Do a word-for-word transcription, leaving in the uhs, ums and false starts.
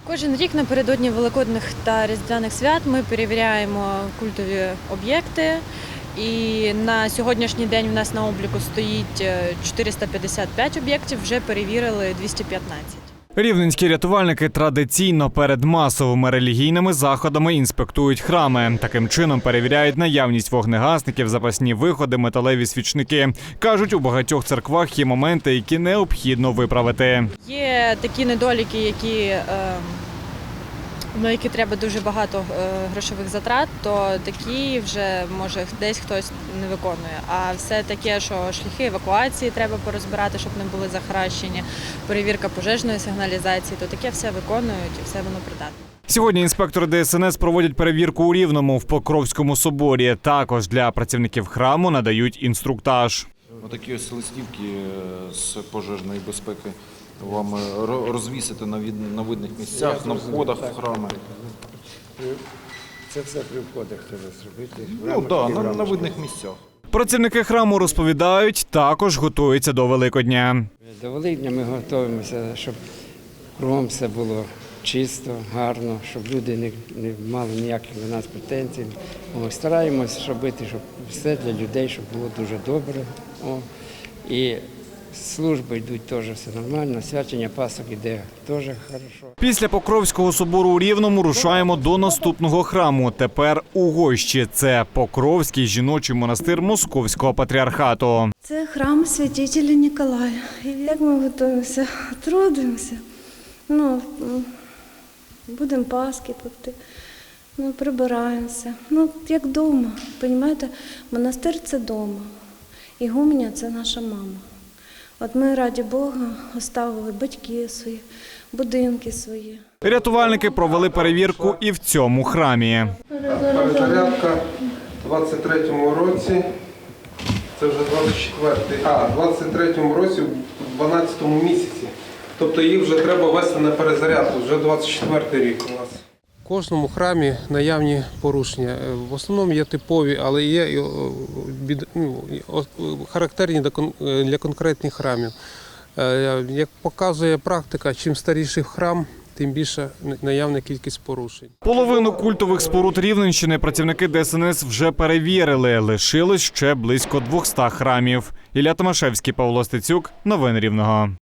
Кожен рік напередодні Великодних та Різдвяних свят ми перевіряємо культові об'єкти. І на сьогоднішній день у нас на обліку стоїть чотириста п'ятдесят п'ять об'єктів, вже перевірили двісті п'ятнадцять. Рівненські рятувальники традиційно перед масовими релігійними заходами інспектують храми. Таким чином перевіряють наявність вогнегасників, запасні виходи, металеві свічники. Кажуть, у багатьох церквах є моменти, які необхідно виправити. Є такі недоліки, які, на які треба дуже багато грошових затрат, то такі вже, може, десь хтось не виконує. А все таке, що шляхи евакуації треба порозбирати, щоб не були захаращені, перевірка пожежної сигналізації, то таке все виконують і все воно придатне. Сьогодні інспектори Де Ес Ен Ес проводять перевірку у Рівному в Покровському соборі. Також для працівників храму надають інструктаж. Отакі ось листівки з пожежної безпеки вам розвісити на видних місцях, на входах в храми. Це все при входах треба зробити? Ну так, на, на видних місцях. Працівники храму розповідають, також готуються до Великодня. До Великодня ми готуємося, щоб кругом все було чисто, гарно, щоб люди не, не мали ніяких до нас претензій. О, стараємося робити, щоб все для людей, щоб було дуже добре. О, і служби йдуть теж все нормально, свячення Пасок іде теж хорошо. Після Покровського собору у Рівному рушаємо до наступного храму. Тепер у Гощі. Це Покровський жіночий монастир Московського патріархату. Це храм святителя Ніколая. І як ми готуємося, трудимося. Ну, будемо Пасхи пекти, ну, прибираємося. Ну, як вдома, розумієте? Монастир – це вдома. Ігуменя – це наша мама. От ми, раді Бога, оставили батьки свої, будинки свої. Рятувальники провели перевірку і в цьому храмі. Перезарядка в двадцять третьому році, це вже двадцять четвертий, а, в двадцять третьому році, в дванадцятому місяці. Тобто їх вже треба вести на перезарядку, вже двадцять четвертий рік у нас. В кожному храмі наявні порушення. В основному є типові, але є характерні для конкретних храмів. Як показує практика, чим старіший храм, тим більша наявна кількість порушень. Половину культових споруд Рівненщини працівники Де Ес Ен Ес вже перевірили. Лишилось ще близько двохсот храмів. Ілля Томашевський, Павло Стецюк. Новини Рівного.